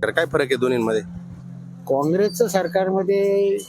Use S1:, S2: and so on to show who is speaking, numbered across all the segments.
S1: सरकार काय फरक आहे दोन्हीमध्ये?
S2: काँग्रेसचं सरकारमध्ये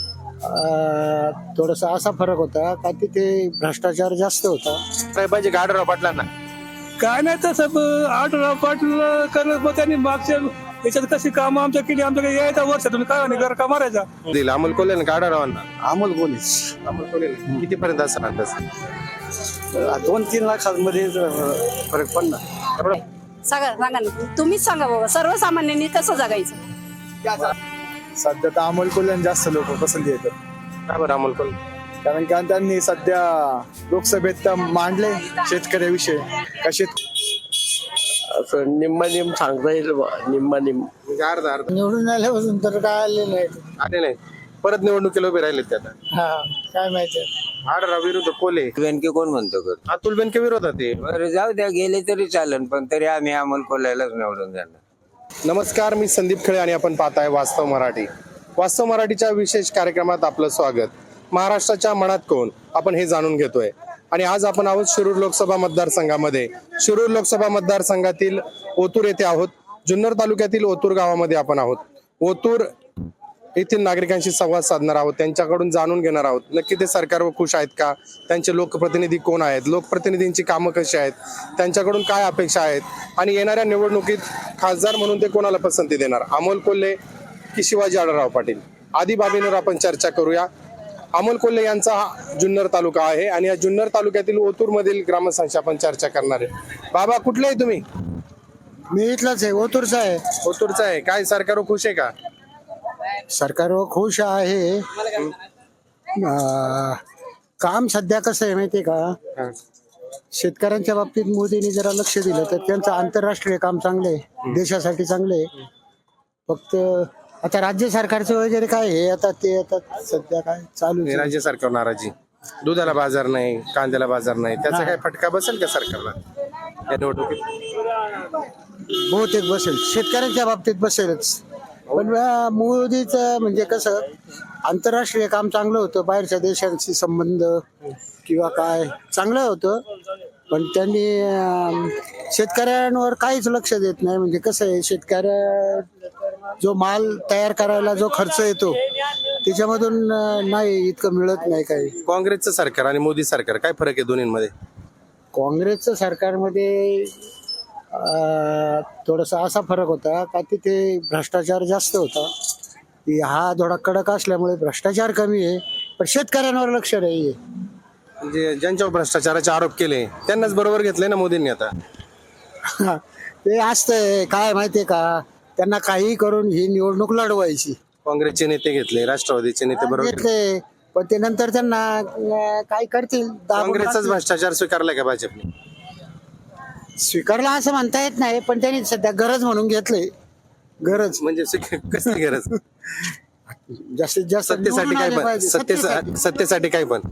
S2: थोडासा असा फरक होता का तिथे भ्रष्टाचार जास्त होता.
S1: काय पाहिजे का आढळराव पाटलांना?
S3: काय नाही तसं आढळराव पाटील करत मग त्यांनी मागच्या याच्यात कशी कामं आमच्या केली, आमच्याकडे यायचा वर्षातून काय नाही घर का मारायचा.
S1: दिल अमोल कोल्हे का आढळरावांना?
S2: अमोल कोल्हेच.
S1: अमोल कोल्हे किती पर्यंत असणार तसं?
S2: 2-3 लाखांमध्ये फरक पडणार.
S4: सांगा ना, तुम्हीच सांगा बाबा, सर्वसामान्यांनी कसं जगायचं.
S5: सध्या तर अमोल कोल्हे जास्त लोक पसंती येतात.
S1: का बरं अमोल कोल्हे?
S5: कारण का त्यांनी सध्या लोकसभेत मांडले शेतकऱ्याविषयी कसे
S2: असं निम्मा सांगता येईल निम्मा
S1: म्हणजे अर्धा अर्धा
S2: निवडून आल्यापासून तर काय आले नाही.
S1: आले नाही, परत निवडणुकीला उभे राहिले ते आता.
S2: हा काय माहिती.
S1: आढळराव विरुद्ध कोल्हे.
S6: बेनके कोण म्हणतो कर
S1: अतुल बेनके विरोधात आहे.
S6: बरं जाऊ द्या, गेले तरी चालेल, पण तरी आम्ही अमोल कोल्ह्यालाच निवडून देणार.
S1: नमस्कार, मी संदीप खळे आणि आपण पाहताय वास्तव मराठी. वास्तव मराठीच्या विशेष कार्यक्रमात आपलं स्वागत. महाराष्ट्राच्या मनात कोण, आपण हे जाणून घेतोय. आणि आज आपण आहोत शिरूर लोकसभा मतदारसंघामध्ये. शिरूर लोकसभा मतदारसंघातील ओतूर येथे आहोत. जुन्नर तालुक्यातील ओतूर गावामध्ये आपण आहोत. ओतूर येथील नागरिकांशी संवाद साधणार आहोत, त्यांच्याकडून जाणून घेणार आहोत नक्की ते सरकारवर खुश आहेत का, त्यांचे लोकप्रतिनिधी कोण आहेत, लोकप्रतिनिधींची कामं कशी आहेत, त्यांच्याकडून काय अपेक्षा आहेत, आणि येणाऱ्या निवडणुकीत खासदार म्हणून ते कोणाला पसंती देणार, अमोल कोल्हे की शिवाजी आढळराव पाटील, आदी बाबींवर आपण चर्चा करूया. अमोल कोल्हे यांचा हा जुन्नर तालुका आहे आणि या जुन्नर तालुक्यातील ओतूर मधील ग्रामस्थांशी आपण चर्चा करणार आहे. बाबा कुठले आहे तुम्ही?
S2: मी इथलाच आहे, ओतूरचा आहे.
S1: ओतूरचा आहे. काय सरकारवर खुश आहे का?
S2: सरकारवर खुश आहे. काम सध्या कसं आहे माहितीये का, शेतकऱ्यांच्या बाबतीत मोदींनी जरा लक्ष दिलं तर त्यांचं आंतरराष्ट्रीय काम चांगलं आहे, देशासाठी चांगलं आहे. फक्त आता राज्य सरकारचं वगैरे काय आहे, आता ते आता सध्या काय चालू आहे.
S1: राज्य सरकार नाराजी, दुधाला बाजार नाही, कांद्याला बाजार नाही, त्याचा काय फटका बसेल का सरकारला या निवडणुकीत?
S2: बहुतेक बसेल, शेतकऱ्यांच्या बाबतीत बसेलच. पण मोदीचं म्हणजे कसं आंतरराष्ट्रीय काम चांगलं होतं, बाहेरच्या देशांशी संबंध किंवा काय चांगलं होतं, पण त्यांनी शेतकऱ्यांवर काहीच लक्ष देत नाही. म्हणजे कसं आहे, शेतकऱ्या जो माल तयार करायला जो खर्च येतो त्याच्यामधून नाही इतकं मिळत नाही काही.
S1: काँग्रेसचं सरकार आणि मोदी सरकार काय फरक आहे दोन्हीमध्ये?
S2: काँग्रेसचं सरकारमध्ये थोडासा असा फरक होता का तिथे भ्रष्टाचार जास्त होता. हा थोडा कडक असल्यामुळे भ्रष्टाचार कमी आहे, पण शेतकऱ्यांवर लक्ष नाही आहे.
S1: म्हणजे ज्यांच्यावर भ्रष्टाचाराचे आरोप केले त्यांनाच बरोबर घेतले ना मोदींनी आता.
S2: ते असतंय काय माहितीये का, त्यांना काही करून ही निवडणूक लढवायची.
S1: काँग्रेसचे नेते घेतले, राष्ट्रवादीचे नेते बरोबर घेतले.
S2: घेतले पण ते नंतर त्यांना काय करतील.
S1: काँग्रेसचाच भ्रष्टाचार स्वीकारलाय का भाजपने?
S2: स्वीकारला असं म्हणता येत नाही, पण त्यांनी सध्या गरज म्हणून घेतले. गरज
S1: म्हणजे कसली गरज?
S2: जास्तीत जास्त
S1: सत्तेसाठी
S2: निवडून
S1: काय
S2: आले
S1: पण?
S2: पाहिजे.
S1: सत्तेसाठी काय पण?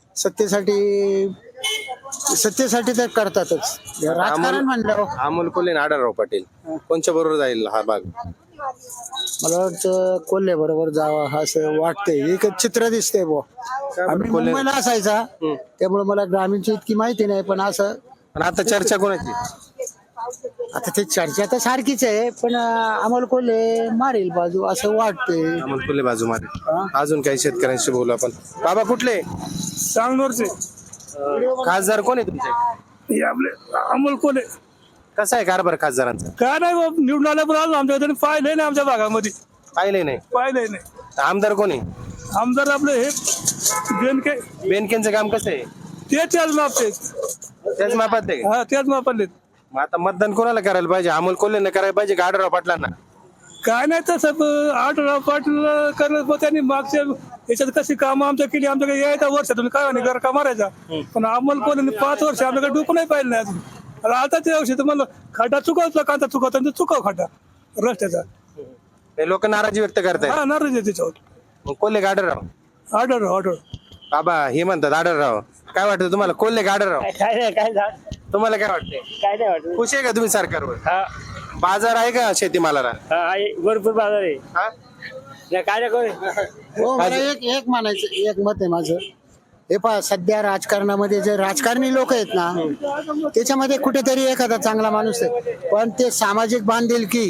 S2: सत्तेसाठी तर करतातच. राजकारण म्हणलं
S1: अमोल कोल्हे आणि आढळराव पाटील कोणच्या बरोबर जाईल हा भाग?
S2: मला वाटतं कोल्हे बरोबर जावा असं वाटतंय. एक चित्र दिसतंय बुवा. आम्ही मुंबईला असायचा त्यामुळे मला ग्रामीणची इतकी माहिती नाही, पण असं
S1: पण आता चर्चा कोणाची?
S2: आता ते चर्चा तर सारखीच आहे, पण अमोल कोल्हे मारेल बाजू असं वाटतंय.
S1: अमोल कोल्हे बाजू मारे. अजून काही शेतकऱ्यांशी बोलू आपण. बाबा कुठले?
S3: सांगलोरचे
S1: खासदार कोण आहे तुमचे?
S3: हे आपले अमोल कोल्हे.
S1: कसा आहे कारभार खासदारांचा?
S3: काय नाही बाबा, निवडून आल्यापर्यंत आमच्याकडे पाहिलंय नाही, आमच्या भागामध्ये
S1: पाहिले नाही.
S3: पाहिलंय नाही.
S1: आमदार कोण आहे?
S3: आमदार आपले हे बेनके.
S1: बेनकेंचं काम कसं आहे?
S3: ते त्याच मापते.
S1: त्याच मापात आहे का?
S3: हा त्याच मापाले.
S1: मग आता मतदान कोणाला करायला पाहिजे? अमोल कोल्हेंना करायला पाहिजे का आढळराव पाटलांना?
S3: काय नाही तसं आढळराव पाटील करत मग त्यांनी मागच्या याच्यात कशी कामं आमच्या केली, आमच्याकडे यायचा वर्षातून काय नाही घर का मारायचा. पण अमोल कोल्हे 5 वर्ष आमच्याकडे डोकं नाही पाहिलं नाही अजून. आता ते औषध म्हणलं खड्डा चुकवला, कांदा चुकवता चुकव खड्डा रस्त्याचा.
S1: हे लोक नाराजी व्यक्त करतायत.
S3: हा नाराज आहे त्याच्यावर.
S1: मग कोल्हे का आढळराव?
S3: आढळ
S1: बाबा हे म्हणतात आढळराव. काय वाटतं तुम्हाला, कोल्हे का आढळराव?
S2: काय नाही काय
S1: तुम्हाला काय वाटतंय?
S2: काय नाही वाटत.
S1: खुश आहे का तुम्ही सरकारवर? बाजार आहे का शेतीमालाला?
S2: भरपूर बाजार आहे.
S1: हा?
S2: काय हो, मला एक म्हणायचं, एक मत आहे माझं. हे पहा, सध्या राजकारणामध्ये जे राजकारणी लोक आहेत ना, त्याच्यामध्ये कुठेतरी एखादा चांगला माणूस आहे, पण ते सामाजिक बांधिलकी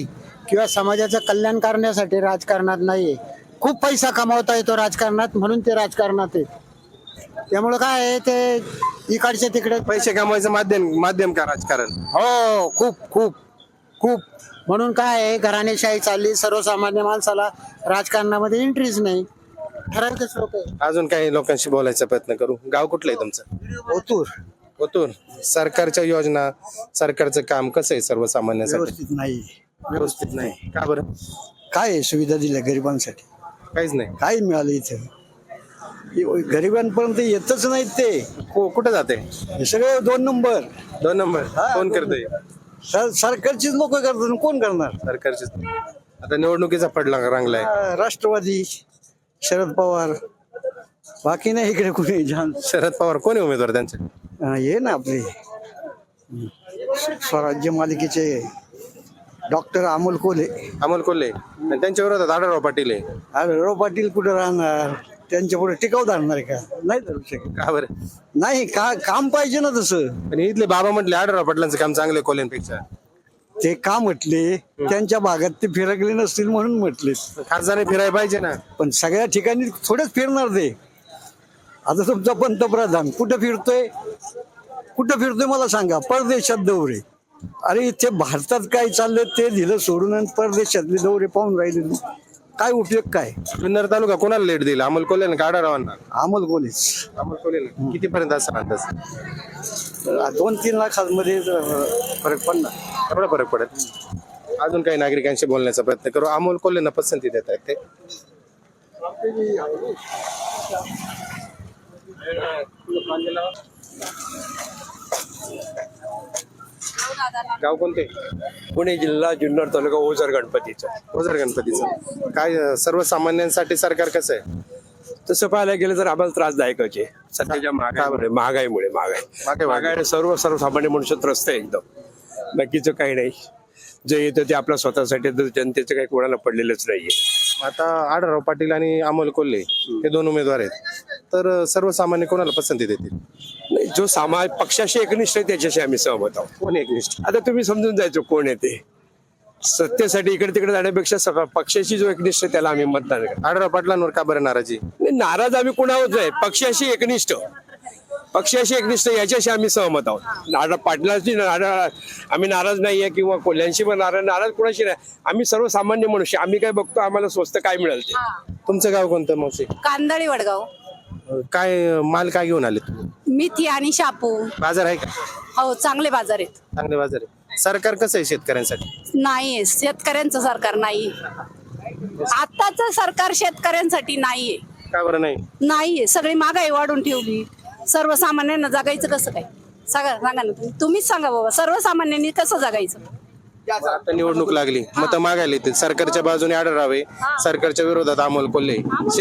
S2: किंवा समाजाचं कल्याण करण्यासाठी राजकारणात नाहीये. खूप पैसा कमावता येतो राजकारणात, म्हणून ते राजकारणात आहे. त्यामुळे काय आहे, ते इकडचे तिकडे
S1: पैसे कमवायचं माध्यम का राजकारण?
S2: हो, खूप खूप खूप. म्हणून काय आहे, घराणेशाही चालली, सर्वसामान्य माणसाला राजकारणामध्ये इंटरेस्ट नाही. ठराविकच लोक आहे.
S1: अजून काही लोकांशी बोलायचा प्रयत्न करू. गाव कुठलं आहे तुमचं?
S2: ओतूर
S1: ओतूर. सरकारच्या योजना, सरकारचं काम कसं आहे सर्वसामान्यांसाठी?
S2: व्यवस्थित नाही.
S1: व्यवस्थित नाही. का बरं?
S2: काय आहे, सुविधा दिल्या गरिबांसाठी?
S1: काहीच नाही.
S2: काय मिळालं इथं? गरिबांपर्यंत येतच नाहीत ते.
S1: कुठं जाते?
S2: हे सगळे 2 नंबर.
S1: 2 नंबर कोण करतोय?
S2: सरकारचीच लोक करतात, कोण करणार?
S1: सरकारचे. आता निवडणुकीचा फडला रंगलाय.
S2: राष्ट्रवादी, शरद पवार, बाकी नाही इकडे कुणी.
S1: शरद पवार कोण आहे उमेदवार त्यांचे?
S2: हे ना आपले स्वराज्य मालिकेचे डॉक्टर अमोल कोल्हे.
S1: अमोल कोल्हे. आणि त्यांच्या विरोधात आढळराव पाटील आहे.
S2: आढळराव पाटील कुठे राहणार? त्यांच्या पुढे टिकाव धरणार आहे का? नाही धरू शकत.
S1: का बरं?
S2: नाही, काम पाहिजे ना तसं.
S1: आणि इथले बाबा म्हटले आढळराव पाटलांचं काम चांगलं आहे कोल्हेंपेक्षा.
S2: ते का म्हटले? त्यांच्या भागात ते फिरकले नसतील म्हणून म्हटले.
S1: खासदार फिरायला पाहिजे ना.
S2: पण सगळ्या ठिकाणी थोडेच फिरणार ते. आता तुमचा पंतप्रधान कुठं फिरतोय मला सांगा? परदेशात दौरे. अरे इथे भारतात काय चाललंय ते दिलं सोडून आणि परदेशातले दौरे पाहून राहिले. काय उपयोग काय?
S1: जुन्नर तालुका कोणाला लेट दिला? अमोल कोल्हे का आढळरावांना?
S2: अमोल कोल्हेच.
S1: अमोल कोल्हे. किती पर्यंत असं अंदाज?
S2: 2-3 लाखांमध्ये फरक पडणार.
S1: एवढा फरक पडत. अजून काही नागरिकांशी बोलण्याचा प्रयत्न करू. अमोल कोल्हेंना पसंती देत आहेत ते. गाव कोणते?
S7: पुणे जिल्हा जुन्नर तालुका ओझर गणपतीचा.
S1: ओझर गणपतीचं. काय सर्वसामान्यांसाठी सरकार कसं आहे?
S7: तसं पाहायला गेलं तर आम्हाला त्रासदायकच आहे सध्याच्या महागाईमुळे. महागाई सर्वसामान्य मनुष्य त्रस्त आहे एकदम. बाकीचं काही नाही. जे येतं ते आपल्या स्वतःसाठी, जनतेचं काही कोणाला पडलेलंच नाहीये.
S1: आता आढळराव पाटील आणि अमोल कोल्हे हे 2 उमेदवार आहेत, तर सर्वसामान्य कोणाला पसंती देतील?
S7: नाही, जो समाज पक्षाशी एकनिष्ठ आहे त्याच्याशी आम्ही सहमत आहोत.
S1: कोण एकनिष्ठ?
S7: आता तुम्ही समजून जायचं कोण आहे ते. सत्तेसाठी इकडे तिकडे जाण्यापेक्षा पक्षाशी जो एकनिष्ठ त्याला आम्ही मतदान करतो.
S1: आढळराव पाटलांवर का बरं नाराजी?
S7: नाराज आम्ही कुणावर आहे? पक्षाशी एकनिष्ठ याच्याशी आम्ही सहमत आहोत. पाटलांशी आम्ही नाराज नाहीये किंवा कोल्ह्यांशी पण नाराज कुणाशी नाही. आम्ही सर्वसामान्य मनुष्य. आम्ही काय बघतो, आम्हाला स्वस्त काय मिळेल ते.
S1: तुमचं गाव कोणतं मावशी?
S4: कांदळी वडगाव.
S1: काय माल काय घेऊन आले तुम्ही?
S4: मेथी आणि शापू.
S1: बाजार आहे का?
S4: हो, चांगले बाजार आहेत.
S1: चांगले बाजार आहे. सरकार कसं आहे शेतकऱ्यांसाठी?
S4: नाहीये, शेतकऱ्यांचं सरकार नाही. आताच सरकार शेतकऱ्यांसाठी नाहीये.
S1: का बरं नाही?
S4: नाहीये. सगळी महागाई वाढून ठेवली. सर्वसामान्यांना जगायचं कसं काय? सांगा ना तुम्हीच सांगा बाबा, सर्वसामान्यांनी कसं जगायचं?
S1: आता निवडणूक लागली, मत मागायला येतील. सरकारच्या बाजूने आढळरावे, सरकारच्या विरोधात अमोल कोल्हे.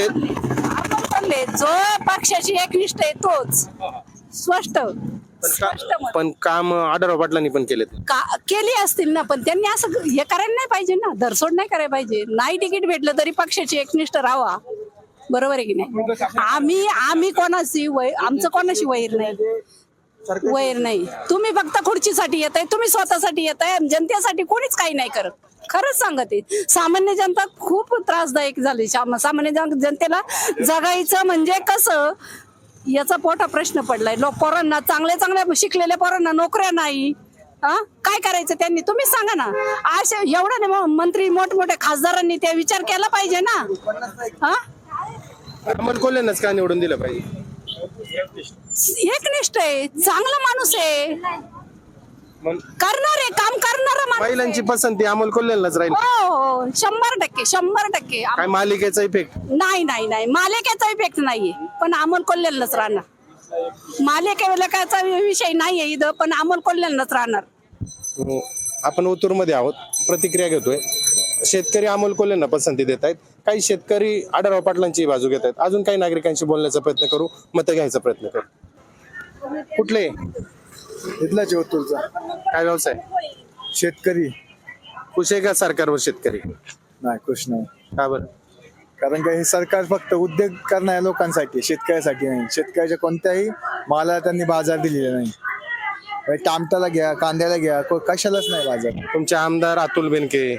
S4: जो पक्षाची एकनिष्ठ आहे तोच. स्पष्ट मत.
S1: पण काम आढळराव पाटलांनी पण केले.
S4: केली असतील ना, पण त्यांनी असं हे करायला नाही पाहिजे ना. धरसोड नाही करायला पाहिजे. नाही तिकीट भेटलं तरी पक्षाची एकनिष्ठ राहावा. बरोबर आहे की नाही? आम्ही कोणाशी आमचं कोणाशी वैर नाही. तुम्ही फक्त खुर्चीसाठी येत आहे, तुम्ही स्वतःसाठी येत आहे. जनतेसाठी कोणीच काही नाही करत. खरंच सांगते, सामान्य जनता खूप त्रासदायक झाली. सामान्य जनतेला जगायचं म्हणजे कसं याचा मोठा प्रश्न पडलाय. पोरांना चांगल्या शिकलेल्या पोरांना नोकऱ्या नाही. काय करायचं त्यांनी? तुम्ही सांगा ना. असे एवढा मंत्री मोठमोठ्या खासदारांनी त्या विचार केला पाहिजे ना.
S1: अमोल कोल्हेंनाच का निवडून दिलं पाहिजे?
S4: एकनिष्ठ आहे, चांगला माणूस आहे, करणार आहे, काम करणारा माणूस आहे.
S1: महिलांची पसंती अमोल कोल्हेंनाच राहील.
S4: हो, 100%.
S1: काय मालिकेचा इफेक्ट?
S4: नाही. मालिकेचा इफेक्ट नाहीये, पण अमोल कोल्हेंनाच राहणार. मालिकेचा विषय नाहीये इथं, पण अमोल कोल्हेंनाच राहणार.
S1: आपण ओतूर मध्ये आहोत, प्रतिक्रिया घेतोय. शेतकरी अमोल कोल्हेंना पसंती देत आहेत, काही शेतकरी आढळराव पाटलांची बाजू घेत आहेत. अजून काही नागरिकांशी बोलण्याचा प्रयत्न करू, मत घ्यायचा प्रयत्न करू. कुठले?
S5: इथलाच ओतूरचा.
S1: काय व्यवसाय?
S5: शेतकरी.
S1: खुश आहे का सरकारवर शेतकरी?
S5: नाही, खुश नाही.
S1: का बरं?
S5: कारण का हे सरकार फक्त उद्योग करणाऱ्या लोकांसाठी, शेतकऱ्यासाठी नाही. शेतकऱ्याच्या कोणत्याही मालाला त्यांनी बाजार दिलेला नाही. टामटाला घ्या, कांद्याला घ्या, कशालाच नाही बाजार.
S1: तुमचे आमदार अतुल बेनके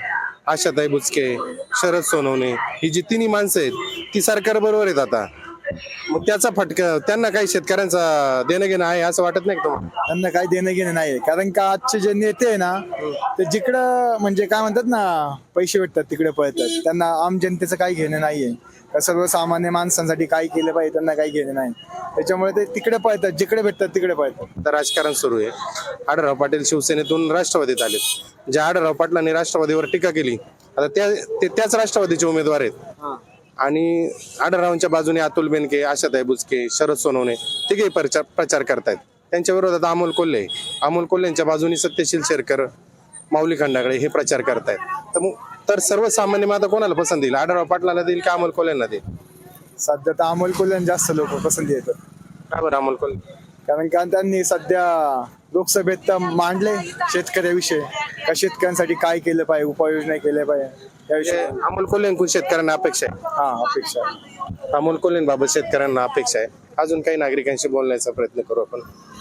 S1: आशाताई बुचके, शरद सोनवणे, ही जी तिन्ही माणसं आहेत ती सरकार बरोबर आहेत आता. मग त्याचा फटका त्यांना काही शेतकऱ्यांचा देणं घेणं आहे असं वाटत नाही का तुम्हाला?
S5: त्यांना काही देणं घेणं नाही, कारण का आजचे जे नेते आहे ना ते जिकडं म्हणजे काय म्हणतात ना पैसे भेटतात तिकडे पळतात. त्यांना आम जनतेचं काही घेणं नाहीये, का सर्वसामान्य माणसांसाठी काय केलं पाहिजे त्यांना काही घेणं नाही. त्याच्यामुळे ते तिकडे पळतात, जिकडे भेटतात तिकडे पळतात.
S1: आता राजकारण सुरू आहे. आढळराव पाटील शिवसेनेतून राष्ट्रवादीत आले. ज्या आढळराव पाटलांनी राष्ट्रवादीवर टीका केली आता त्याच राष्ट्रवादीचे उमेदवार आहेत. आणि आढळरावांच्या बाजूने अतुल बेनके, आशाताई बुचके, शरद सोनवणे तिघे प्रचार करतायत. त्यांच्या विरोधात अमोल कोल्हेंच्या बाजूने सत्यशील शेरकर, माऊली खंडागळे हे प्रचार करतायत. तर सर्वसामान्य मग आता कोणाला पसंत देईल? आढळराव पाटलाला देईल का अमोल कोल्हेंना देईल?
S5: सध्या तर अमोल कोल्हे जास्त लोक पसंती येतात.
S1: का बरं अमोल कोल्हे?
S5: कारण का त्यांनी सध्या लोकसभेत तर मांडले शेतकऱ्याविषयी, का शेतकऱ्यांसाठी काय केलं पाहिजे, उपाययोजना केल्या पाहिजे त्याविषयी.
S1: अमोल कोल्हेंकडून शेतकऱ्यांना अपेक्षा आहे.
S5: हा, अपेक्षा आहे.
S1: अमोल कोल्हेंबाबत शेतकऱ्यांना अपेक्षा आहे. अजून काही नागरिकांशी बोलण्याचा प्रयत्न करू आपण.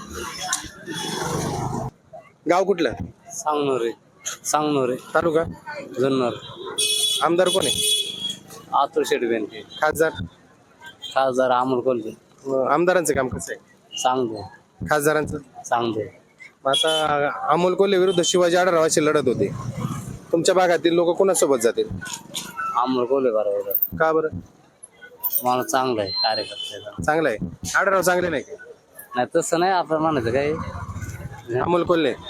S1: गाव कुठलं?
S8: सांगनोरे
S1: तालुका
S8: जुन्नर.
S1: आमदार कोण आहे?
S8: आतुर शेठ बेनके.
S1: खासदार
S8: अमोल कोल्हे.
S1: आमदारांचं काम कसं आहे?
S8: सांगतो
S1: खासदारांचं
S8: सांगतो.
S1: आता अमोल कोल्हे विरुद्ध शिवाजी आढळरावाची लढत होते. तुमच्या भागातील लोक कोणासोबत जातील?
S8: अमोल कोल्हे बरोबर.
S1: का बरं?
S8: माणूस चांगला आहे, कार्यकर्ता.
S1: चांगलं आहे. आढळराव चांगले नाही का?
S8: नाही तसं नाही आपण म्हणायचं काही.
S1: अमोल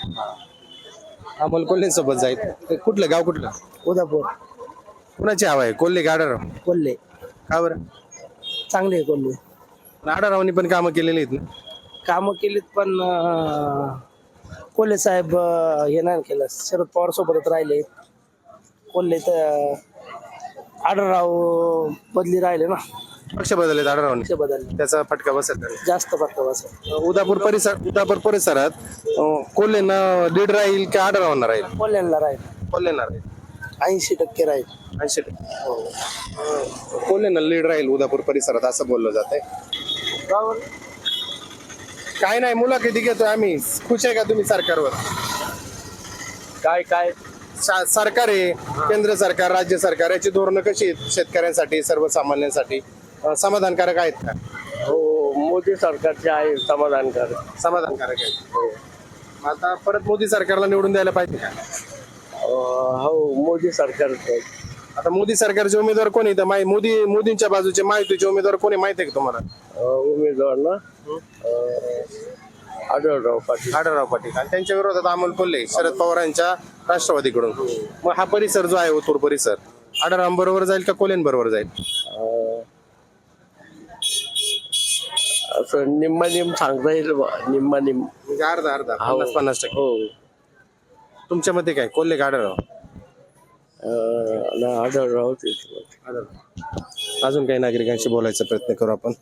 S1: कोल्हे सोबत जाईल. ते कुठलं गाव कुठलं?
S2: उदापूर.
S1: कुणाची हवा आहे, कोल्हे का आढळराव?
S2: कोल्हे
S1: का बरं?
S2: चांगले आहे कोल्हे.
S1: पण आढळरावांनी पण कामं केलेली आहेत ना.
S2: कामं केलीत पण कोल्हे साहेब हे नाही केलं. शरद पवार सोबतच राहिले. कोल्हे तर आढळराव बदली राहिले ना,
S1: पक्ष बदलले आढळरावांनी,
S2: बदलले
S1: त्याचा फटका बसत नाही.
S2: जास्त फटका बसेल.
S1: उदापूर परिसरात कोल्हेंना लीड राहील का आढळरावांना राहील?
S2: कोल्ह्यांना राहील.
S1: कोल्हेंना राहील.
S2: 80% राहील.
S1: 80% कोल्हेंना लीड राहील उदापूर परिसरात असं बोललं जात आहे. काय नाही, मुलाखती घेतोय आम्ही. खुश आहे का तुम्ही सरकारवर?
S7: काय
S1: सरकार आहे, केंद्र सरकार, राज्य सरकार, याची धोरणं कशी आहेत शेतकऱ्यांसाठी, सर्वसामान्यांसाठी समाधानकारक आहेत का?
S7: हो, मोदी सरकारचे आहे
S1: समाधानकारक आहेत. आता परत मोदी सरकारला निवडून द्यायला पाहिजे का?
S7: हो, मोदी सरकार.
S1: आता मोदी सरकारचे उमेदवार कोणी? तर मोदींच्या बाजूचे माहितीचे उमेदवार कोणी माहिती आहे का तुम्हाला?
S7: उमेदवार ना आढळराव पाटील.
S1: आणि त्यांच्या विरोधात अमोल कोल्हे, शरद पवारांच्या राष्ट्रवादीकडून. मग हा परिसर जो आहे ओतूर परिसर आढळराव बरोबर जाईल का कोल्हे बरोबर जाईल?
S7: असं निम्मा सांगता येईल. निम्मा
S1: म्हणजे अर्धा 50-50%.
S7: हो.
S1: तुमच्या मते काय, कोल्हे का आढळराव?
S7: आढळराव.
S1: अजून काही नागरिकांशी बोलायचा प्रयत्न करू आपण.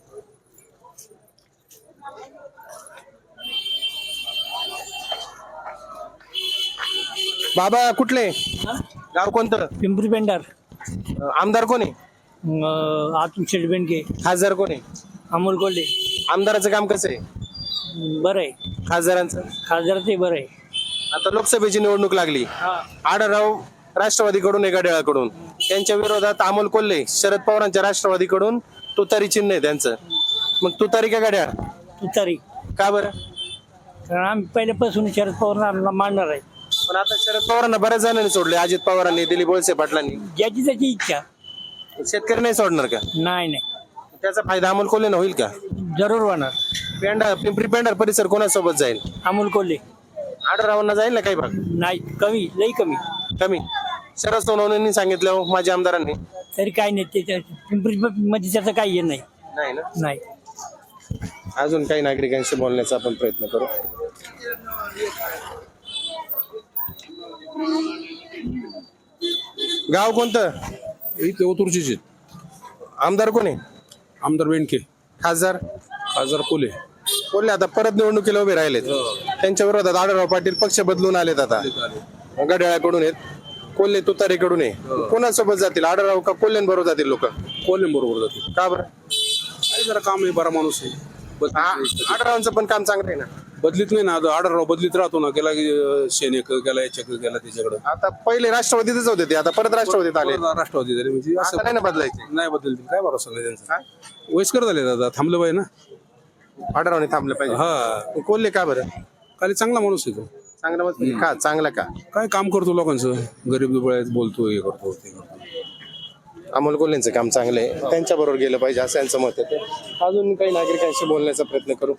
S1: बाबा कुठले गाव, कोणतं?
S3: पिंपरी पेंडार.
S1: आमदार कोणी?
S3: आतून शेठ बेनके.
S1: खासदार कोणी?
S3: अमोल कोल्हे.
S1: आमदाराचं काम कसं आहे?
S3: बरं आहे.
S1: खासदारांचं?
S3: खासदार बरं आहे.
S1: आता लोकसभेची निवडणूक लागली. आढळराव राष्ट्रवादीकडून एका घड्याळाकडून, त्यांच्या विरोधात अमोल कोल्हे शरद पवारांच्या राष्ट्रवादीकडून. तुतारी चिन्ह आहे त्यांचं. मग तुतारी का घड्याळ?
S3: तुतारी.
S1: का बरं?
S3: कारण आम्ही पहिल्यापासून शरद पवारांना मांडणार आहे.
S1: पण आता शरद पवारांना बऱ्याच जणांनी सोडले. अजित पवारांनी, दिलीप वळसे पाटलांनी.
S3: ज्याची त्याची इच्छा.
S1: शेतकरी नाही सोडणार का?
S3: नाही.
S1: त्याचा फायदा अमोल कोल्हेंना होईल का?
S3: जरूर होणार.
S1: पिंपरी पेंढार परिसर कोणासोबत जाईल?
S3: अमोल कोल्हे.
S1: आढळरावांना जाईल ना काही भाग?
S3: नाही, कमी, लई
S1: कमी. शरद सोनवणेंनी सांगितलं, माझ्या आमदारांनी.
S3: तरी काही नाही. ते पिंपरी मध्ये त्याचं काही हे नाही. नाही.
S1: अजून काही नागरिकांशी बोलण्याचा आपण प्रयत्न करू. गाव कोणतं?
S9: इथे ओतूरचीच.
S1: आमदार कोणी?
S9: आमदार बेनके.
S1: खासदार
S9: कोल्हे.
S1: आता परत निवडणुकीला उभे राहिलेत. त्यांच्या विरोधात आढळराव पाटील पक्ष बदलून आलेत. आता घड्याळाकडून आहेत, कोल्हे तुतारीकडून आहे. कोणासोबत जातील, आढळराव का कोल्हे बरोबर जातील लोक?
S9: कोल्हे बरोबर जाते.
S1: का बरं?
S9: जरा काम आहे, बरा माणूस आहे.
S1: आढळरावांचं पण काम चांगलं आहे ना.
S9: बदलीत नाही ना आता आढळराव बदलीत राहतो ना, गेला की शेनेक गेला, याच्याकडे गेला, त्याच्याकडे
S1: आता पहिले राष्ट्रवादीतच होते ते, आता परत राष्ट्रवादीत आले.
S9: राष्ट्रवादी झाले म्हणजे
S1: आता
S9: असं
S1: नाही ना बदलायचे.
S9: नाही बदलतील, काय भरोसा नाही त्यांचा. वयस्कर झाले दादा, थांबलं पाहिजे ना.
S1: आढळरावने थांबले पाहिजे.
S9: हा,
S1: कोल्हे का बरं?
S9: खाली चांगला माणूस आहे तो.
S1: चांगलं मत का? चांगलं का?
S9: काय काम करतो लोकांचं, गरीब दुबळ्यात बोलतो, हे करतो ते करतो.
S1: अमोल कोल्हेंचं काम चांगलं आहे, त्यांच्या बरोबर गेलं पाहिजे असं यांचं मत आहे. अजून काही नागरिकांशी बोलण्याचा प्रयत्न करू.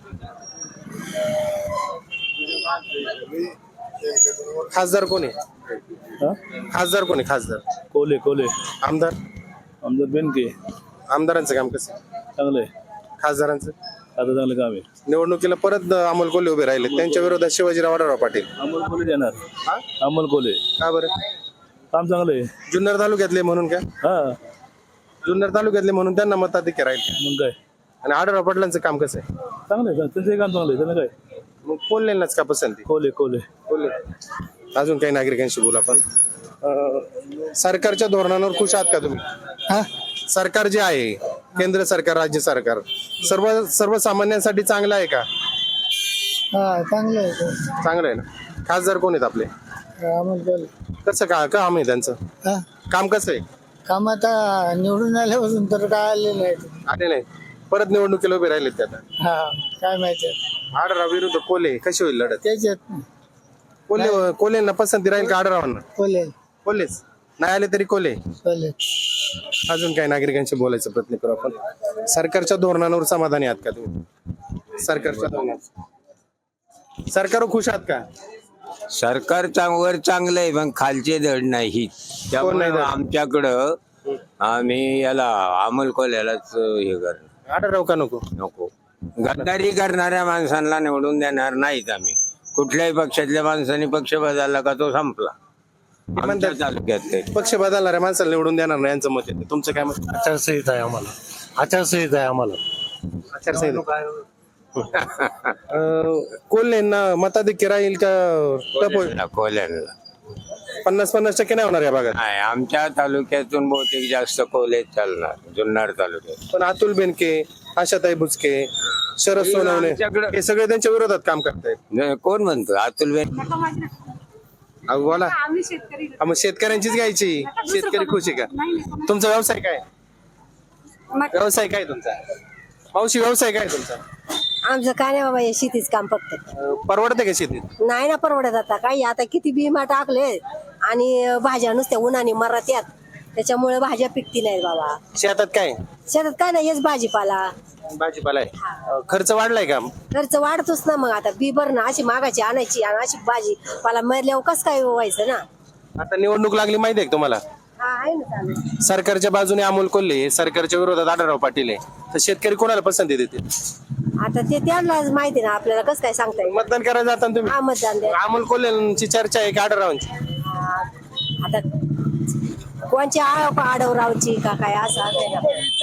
S1: खासदार कोण आहे? खासदार कोण आहे? खासदार
S3: कोले कोले
S1: आमदार
S3: आमदार बेनके
S1: आमदारांचं काम कसं आहे?
S3: चांगलं आहे,
S1: खासदारांचं
S3: आता चांगलं काम आहे.
S1: निवडणुकीला परत अमोल कोल्हे उभे राहिले, त्यांच्या विरोधात शिवाजीराव आढळराव पाटील.
S3: अमोल कोले देणार, अमोल कोले
S1: का बरं?
S3: काम चांगलं आहे.
S1: जुन्नर तालुक्यातले म्हणून काय?
S3: हा,
S1: जुन्नर तालुक्यातले म्हणून त्यांना मताधिक्य राहील.
S3: मग काय
S1: आणि आढळराव पाटलांचं काम कसं आहे?
S3: चांगलं आहे, त्यांचं काम चांगलं आहे. त्यांना काय
S1: मग कोल्हेंनाच का पसंती?
S3: कोले कोले
S1: कोल्हे. अजून काही नागरिकांशी बोलू आपण. सरकारच्या धोरणांवर खुश आहात का तुम्ही? सरकार जे आहे, केंद्र सरकार, राज्य सरकार, सर्वसामान्यांसाठी चांगलं आहे का?
S2: हा चांगलं आहे.
S1: चांगलं आहे ना. खासदार कोण आहेत आपले?
S2: अमोल कोल्हे.
S1: कसं काम आहे त्यांचं?
S2: हा
S1: काम कसं आहे?
S2: काम आता निवडून आल्यापासून तर काय आले नाही.
S1: आले नाही, परत निवडणुकीला उभे राहिलेत ते आता.
S2: हा काय माहिती
S1: आढळराव विरुद्ध कोल्हे, कशी होईल लढत?
S2: त्याच्यात
S1: कोल्हेंना पसंती राहील का आढळरावांना?
S2: कोल्हे
S1: कोल्हेच नाही आले तरी कोल्हे.
S2: कोल्हे.
S1: अजून काही नागरिकांशी बोलायचा प्रयत्न करू आपण. सरकारच्या धोरणांवर समाधानी आहात का तुम्ही? सरकारच्या धोरणावर सरकारवर खुश आहात का?
S6: सरकार वर चांगलं आहे, पण खालचे धड नाही. त्यामुळे
S1: धड?
S6: आमच्याकडं आम्ही याला अमोल कोल्ह्यालाच हे करणार.
S1: आढळराव का नको?
S6: नको. गद्दारी करणाऱ्या माणसांना निवडून देणार नाहीत आम्ही. कुठल्याही पक्षातल्या माणसाने पक्ष बदलला का तो संपला. आमच्या तालुक्यात ते
S1: पक्ष बदलणाऱ्या माणसाला निवडून देणार नाही यांचं मत आहे. तुमचं काय मत?
S3: आचारसंहिता आहे आम्हाला, आचारसंहिता आहे आम्हाला.
S1: आचारसंहिता. कोल्हेंना मताधिक्य राहील का? टप होईल?
S6: कोल्ह्याला
S1: 50-50% नाही होणार या भागात.
S6: नाही, आमच्या तालुक्यातून बहुतेक जास्त कोल्हे चालणार जुन्नर तालुक्यात.
S1: पण अतुल बेनके, आशाताई बुचके, शरद सोनवणे
S6: आमच्याकडं-
S1: हे सगळे त्यांच्या विरोधात काम करतायत.
S6: कोण म्हणतो? अतुल बेन
S1: अहो बोला.
S4: आम्ही शेतकरी
S1: हा, मग शेतकऱ्यांचीच घ्यायची. शेतकरी खुश आहे का? तुमचा व्यवसाय काय? व्यवसाय काय तुमचा? मावशी व्यवसाय काय तुमचा?
S10: आमचं काय नाही बाबा, हे शेतीच काम फक्त.
S1: परवडते का शेतीत?
S10: नाही ना परवडत. आता काही आता किती बिमा टाकले आणि भाज्या नुसत्या उन्हाने मरत यात, त्याच्यामुळे भाज्या पिकती नाहीत बाबा.
S1: शेतात काय?
S10: शेतात काय नाही, हेच भाजीपाला.
S1: भाजीपाला आहे. खर्च वाढलाय का?
S10: खर्च वाढतोच ना. मग आता बी बरं ना, अशी मागाची आणायची आणि अशी भाजीपाला मरल्यावर कसं काय व्हायचं ना.
S1: आता निवडणूक लागली माहिती आहे का तुम्हाला?
S10: हा आहे ना चालू.
S1: सरकारच्या बाजूने अमोल कोल्हे, सरकारच्या विरोधात आढळराव पाटील आहे, तर शेतकरी कोणाला पसंती देतील?
S10: आता ते त्यांनाच माहिती ना, आपल्याला कसं काय सांगता येईल.
S1: मतदान करायला जाताना तुम्ही
S10: हा मतदान द्या.
S1: अमोल कोल्हेंची चर्चा आहे का आढळरावांची?
S10: आता कोणच्या आडवरावची का काय असं आहे ना.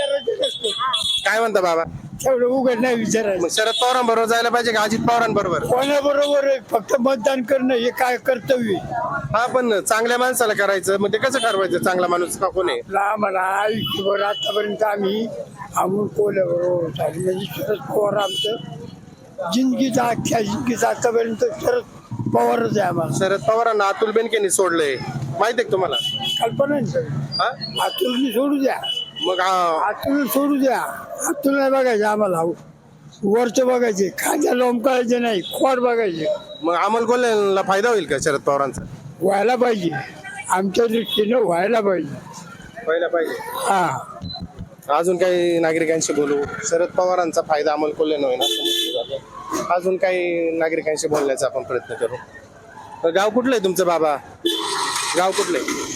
S1: काय म्हणता बाबा?
S2: तेवढं उघड नाही विचारायचं.
S1: मग शरद पवारांबरोबर जायला पाहिजे का अजित पवारांबरोबर?
S2: कोणाबरोबर फक्त मतदान करणं हे काय कर्तव्य आहे?
S1: हा, पण चांगल्या माणसाला करायचं, मग ते कसं ठरवायचं चांगला माणूस का कोण आहे?
S2: आम्हाला आयुष्यभर आतापर्यंत आम्ही अमोल कोल्ह्याबरोबर चालू. म्हणजे शरद पवार आमचं जिंदगीचा, अख्ख्या जिंदगीचा आतापर्यंत शरद पवारच आहे आम्हाला.
S1: शरद पवारांना अतुल बेनकेनी सोडलंय, माहिती आहे का तुम्हाला?
S2: कल्पना नाही.
S1: हा?
S2: अतुलनी सोडू द्या,
S1: मग
S2: अतुल सोडू द्या. अतुल नाही बघायचं आम्हाला, वरचं बघायचे, खांद्या लोंबकायचे नाही, खोड बघायचे.
S1: मग अमोल कोल्हेला फायदा होईल का शरद पवारांचा?
S2: व्हायला पाहिजे, आमच्या दृष्टीनं व्हायला पाहिजे.
S1: व्हायला पाहिजे.
S2: हा
S1: अजून काही नागरिकांशी बोलू. शरद पवारांचा फायदा अमोल कोल्हे होईल. अजून काही नागरिकांशी बोलण्याचा आपण प्रयत्न करू. गाव कुठलं आहे तुमचं बाबा? गाव कुठलं आहे?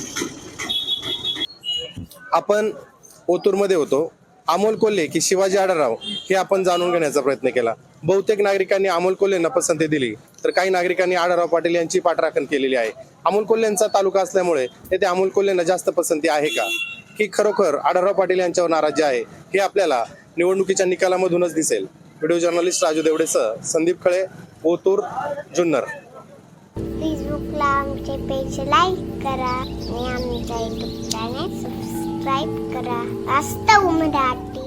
S1: आपण ओतूरमध्ये होतो. अमोल कोल्हे की शिवाजी आढळराव हे आपण जाणून घेण्याचा प्रयत्न केला. बहुतेक नागरिकांनी अमोल कोल्हेंना पसंती दिली, तर काही नागरिकांनी आढळराव पाटील यांची पाठराखण केलेली आहे. अमोल कोल्हेंचा तालुका असल्यामुळे येथे अमोल कोल्हेंना जास्त पसंती आहे का, की खरोखर आढळराव पाटील यांच्यावर नाराजी आहे, हे आपल्याला निवडणुकीच्या निकालामधूनच दिसेल. व्हिडिओ जर्नलिस्ट राजू देवडेसह संदीप खळे, ओतूर, जुन्नर.
S11: फेसबुकला आमचे पेज लाईक करा आणि आमच्या युट्यूब चॅनेल सबस्क्राईब करा. वास्तव मराठी.